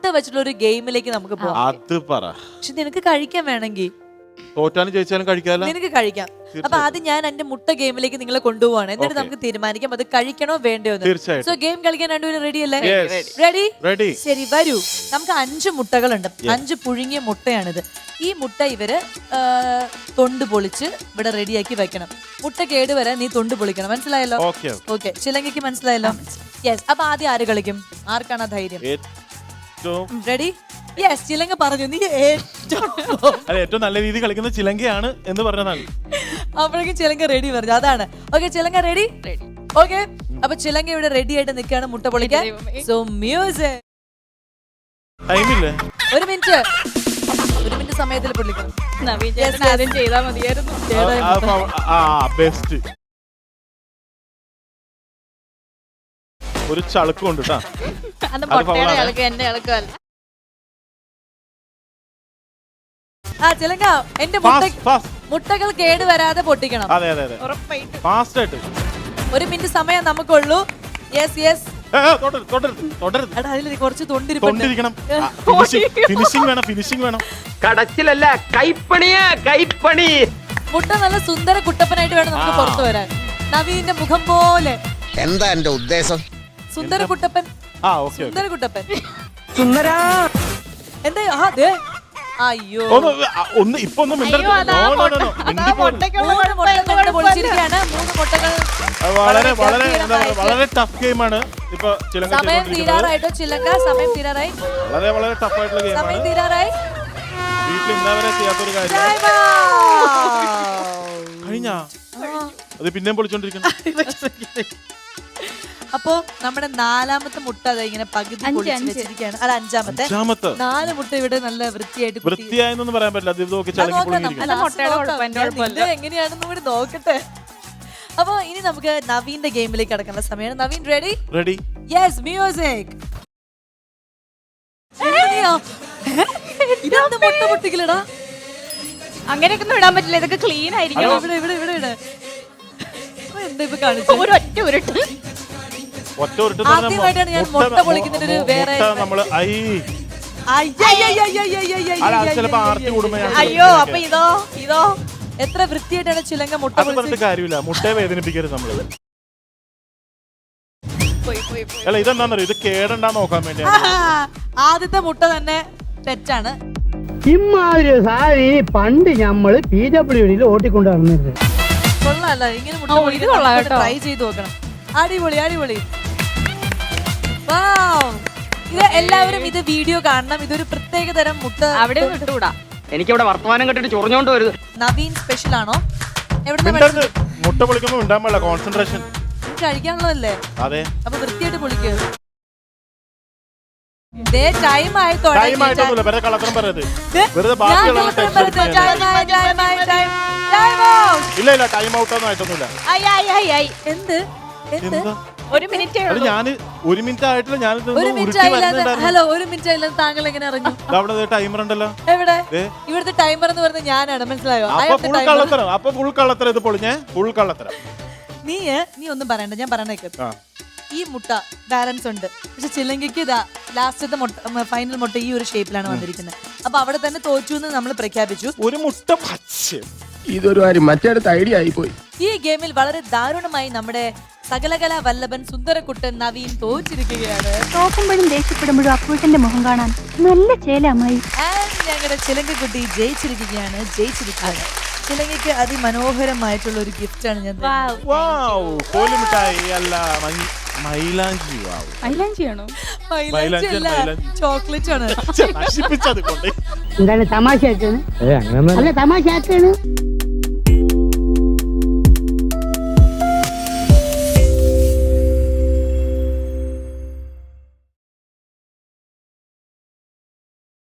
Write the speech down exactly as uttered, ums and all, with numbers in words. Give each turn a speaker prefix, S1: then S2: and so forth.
S1: മുട്ട വെച്ചിട്ടുള്ള ഒരു ഗെയിമിലേക്ക് നമുക്ക് പോകാം.
S2: അത് പറ.
S1: പക്ഷെ നിനക്ക് കഴിക്കാൻ വേണമെങ്കിൽ
S2: തോറ്റാലും ജയിച്ചാലും കഴിക്കാമല്ലോ.
S1: നിനക്ക് കഴിക്കാം. അപ്പൊ ആദ്യം ഞാൻ എന്റെ മുട്ട ഗെയിമിലേക്ക് നിങ്ങളെ കൊണ്ടുപോവാണ്. എന്നിട്ട് നമുക്ക് തീരുമാനിക്കാം അത് കഴിക്കണോ വേണ്ടയോ. സോ ഗെയിം കളിക്കാൻ രണ്ടുപേരും റെഡി അല്ലേ? Ready
S2: ready.
S1: ശരി വരൂ. നമുക്ക് അഞ്ച് മുട്ടകളുണ്ട്. അഞ്ച് പുഴുങ്ങിയ മുട്ടയാണിത്. ഈ മുട്ട ഇവര് തൊണ്ട് പൊളിച്ച് ഇവിടെ റെഡിയാക്കി വെക്കണം. മുട്ട കേടുവരാൻ നീ തൊണ്ട് പൊളിക്കണം. മനസ്സിലായല്ലോ? ഓക്കെ. ചിലങ്കയ്ക്ക് മനസ്സിലായല്ലോ? യെസ്. അപ്പൊ ആദ്യം ആര് കളിക്കും? ആർക്കാണ് ധൈര്യം? റെഡി? യെസ്. ചിലങ്ക പറഞ്ഞു നീ
S2: ഏറ്റവും നല്ല രീതിയിൽ കളിക്കുന്ന ചിലങ്കയാണ് എന്ന് പറഞ്ഞതാണ്.
S1: അപ്പോഴേക്കും ചിലങ്ക റെഡി പറഞ്ഞു. അതാണ്. ഓക്കെ ചിലങ്ക റെഡി? ഓക്കെ. അപ്പൊ ചിലങ്ക ഇവിടെ റെഡി ആയിട്ട് നിൽക്കുകയാണ് മുട്ട പൊളിക്കാൻ. So music.
S2: ടൈമില്ലേ?
S1: ഒരു മിനിറ്റ്. ഒരു മിനിറ്റ് സമയത്തിൽ പൊളിക്കണം.
S3: ആദ്യം ചെയ്താൽ മതിയായിരുന്നു.
S2: ബെസ്റ്റ്. ഒരു ചളുക്കുണ്ട് കേട്ടാ.
S3: എന്റെ ഇളക്കല്ല.
S1: ആ ചിലങ്ക എന്റെ മുട്ടകൾ കേട് വരാതെ പൊട്ടിക്കണം.
S2: അതെ അതെ അതെ. ഫാസ്റ്റ് ആയിട്ട്.
S1: ഒരു മിനിറ്റ് സമയം നമുക്കുള്ളൂ. Yes yes. അതിൽ കുറച്ച്
S2: തൊണ്ടിരിക്കണം. ഫിനിഷിംഗ് വേണം, ഫിനിഷിംഗ് വേണം.
S4: കടച്ചിലല്ല, കൈപ്പണിയാ, കൈപ്പണി.
S1: മുട്ട നല്ല സുന്ദര കുട്ടപ്പനായിട്ട് വേണം നമുക്ക് പുറത്തു വരാൻ. നവീന്റെ മുഖം പോലെ.
S5: എന്താ എന്റെ ഉദ്ദേശം?
S1: സുന്ദര കുട്ടപ്പൻ. സുന്ദര കുട്ടപ്പൻ.
S4: സുന്ദരാ.
S1: എന്താ? അയ്യോ
S2: ഒന്ന് ഇപ്പൊ ഒന്നും വളരെ വളരെ വളരെ ടഫ് ഗെയിമാണ്. ഇപ്പൊ
S1: സമയം തീരാറായിട്ടോ ചിലങ്ക? സമയം തീരാറായി.
S2: വളരെ വളരെ ടഫ് ആയിട്ടുള്ള ഗെയിമാണ്.
S1: സമയം തീരാറായി.
S2: വീട്ടിൽ ഇന്നവരെ ചെയ്യാത്തൊരു കാര്യം കഴിഞ്ഞാ അത് പിന്നെയും പൊളിച്ചോണ്ടിരിക്കുന്നു.
S1: അപ്പൊ നമ്മുടെ നാലാമത്തെ മുട്ട അത് ഇങ്ങനെ പകുതി വെച്ചിരിക്കുകയാണ്. അല്ല അഞ്ചാമത്തെ. നാല് മുട്ട ഇവിടെ നല്ല വൃത്തിയായിട്ട്
S2: വൃത്തിയായെന്നൊന്നും പറയാൻ പറ്റില്ല.
S1: എങ്ങനെയാണെന്നും കൂടി നോക്കട്ടെ. അപ്പൊ ഇനി നമുക്ക് നവീന്റെ ഗെയിമിലേക്ക് കടക്കേണ്ട സമയമാണ്. Naveen ready?
S2: Ready.
S1: Yes. Music. ഇതെന്താ മുട്ട പൊട്ടിക്കലടാ?
S3: അങ്ങനെയൊക്കെ ഒന്നും ഇടാൻ പറ്റില്ല. ഇതൊക്കെ ക്ലീൻ ആയിരിക്കും.
S1: ഇവിടെ ഇവിടെ ഇവിടെ ഇവിടെ എന്താ ഇപ്പൊ കാണിച്ചു?
S3: ഒരു ഒറ്റ ഉരുട്ട്.
S1: ആദ്യമായിട്ടാണ് ഞാൻ മുട്ട പൊളിക്കുന്നതിന് ഒരു വേറെ.
S3: അയ്യോ അപ്പൊ ഇതോ ഇതോ
S1: എത്ര വൃത്തിയായിട്ടാണ് ചിലങ്ക മുട്ട പൊളിച്ചത്.
S2: കാര്യമില്ല. മുട്ടയെ വേദനിപ്പിക്കരുത് നമ്മള്. അല്ല ഇതെന്താന്നറിയോ, ഇത് കേടണ്ടാ നോക്കാൻ വേണ്ടി.
S1: ആദ്യത്തെ മുട്ട തന്നെ തെറ്റാണ്.
S6: ഇമ്മാതിരി സാരി പണ്ട് ഞമ്മള് പി ഡബ്ല്യുഡിയിൽ ഓട്ടിക്കൊണ്ട് നടന്നിരുന്നത്.
S1: കൊള്ളാല്ല. ഇങ്ങനെ മുട്ട ട്രൈ ചെയ്ത് നോക്കണം. അടിപൊളി അടിപൊളി. ഇത് എല്ലാവരും ഇത് വീഡിയോ കാണണം. ഇതൊരു പ്രത്യേക തരം മുട്ട.
S3: അവിടെ വിട്ടുകൂടാ.
S4: എനിക്കിവിടെ വർത്തമാനം കെട്ടിട്ട് ചൊറിഞ്ഞോണ്ട് വരുത്.
S1: നവീൻ സ്പെഷ്യൽ ആണോ?
S2: മുട്ട പൊളിക്കുമ്പോ ഉണ്ടാകുമ്പോ കോൺസെൻട്രേഷൻ
S1: കഴിക്കാനുള്ളതല്ലേ?
S2: അതെ.
S1: അപ്പൊ വൃത്തിയായിട്ട് പൊളിക്കുക. ടൈം ആയി. എന്ത്
S3: ഒരു മിനിറ്റ്
S2: ഞാന് ഒരു മിനിറ്റ് ആയിട്ടില്ല. ഞാൻ
S1: ഹലോ ഒരു മിനിറ്റ് ആയില്ല. താങ്കൾ എങ്ങനെ അറിഞ്ഞു?
S2: അവിടെ ടൈമർ ഉണ്ടല്ലോ.
S1: എവിടെ? ഇവിടുത്തെ ടൈമർ എന്ന് പറയുന്നത് ഞാനാണ്. മനസ്സിലായോ?
S2: അപ്പൊ ഫുൾ കള്ളത്തരം. ഇത് പൊളിഞ്ഞേ ഫുൾ കള്ളത്തരം.
S1: നീ നീ ഒന്നും പറയണ്ട. ഞാൻ പറഞ്ഞേക്ക്. ഈ മുട്ട ബാലൻസ് ഉണ്ട്. പക്ഷെ ചിലങ്കയ്ക്ക് ഇതാ ലാസ്റ്റത്തെ മുട്ട ഫൈനൽ മുട്ട ഈ ഒരു ഷേപ്പിലാണ് വന്നിരിക്കുന്നത്. അപ്പൊ അവിടെ തന്നെ തോറ്റു എന്ന് നമ്മൾ പ്രഖ്യാപിച്ചു.
S2: ഒരു മുട്ട
S5: ഇതൊരു കാര്യം മറ്റേടത്ത് ഐഡിയ ആയിപ്പോയി.
S1: ഈ ഗെയിമിൽ വളരെ ദാരുണമായി നമ്മുടെ സകലകല വല്ലഭൻ സുന്ദരക്കുട്ടൻ നവീൻ തോറ്റിരിക്കുകയാണ്.
S7: തോക്കുമ്പോഴും ദേഷ്യപ്പെടുമ്പോഴും അപ്പൂട്ടന്റെ മുഖം കാണാൻ നല്ല ചേലമായി.
S1: ഞങ്ങളുടെ ചിലങ്കക്കുട്ടി ജയിച്ചിരിക്കുകയാണ്. ജയിച്ചിരിക്കുകയാണ്. ചിലങ്കയ്ക്ക് അതിമനോഹരമായിട്ടുള്ള ഒരു ഗിഫ്റ്റ് ആണ് ഞാൻ. ചോക്ലേറ്റ് ആണ്.
S6: എന്താണ് തമാശ? അല്ല തമാശ